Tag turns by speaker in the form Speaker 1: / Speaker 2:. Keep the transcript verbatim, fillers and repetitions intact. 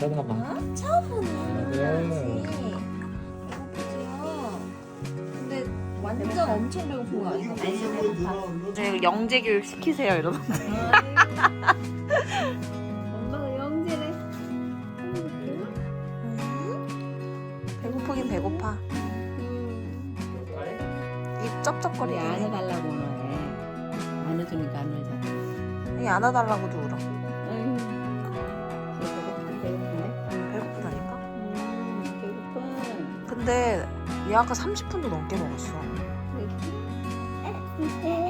Speaker 1: 쳐다봐.
Speaker 2: 어? 처음 보는
Speaker 1: 네.
Speaker 2: 거지. 배고프지요? 근데 완전 엄청 배고픈 거 아니야?
Speaker 3: 아니 배고파.
Speaker 4: 네, 영재 교육 시키세요 이러던데.
Speaker 2: 엄마가 영재래.
Speaker 4: 배고프긴 배고파. 입
Speaker 3: 우리
Speaker 4: 쩝쩝거리긴 해.
Speaker 3: 안아달라고 해. 안아주니까 안 울잖아.
Speaker 4: 이 안아달라고도 울어.
Speaker 3: 아유, 배고픈데? 배고픈데?
Speaker 4: 배고프다니까?
Speaker 3: 음, 배고파.
Speaker 4: 근데 얘 아까 삼십 분도 넘게 먹었어.
Speaker 3: 그래.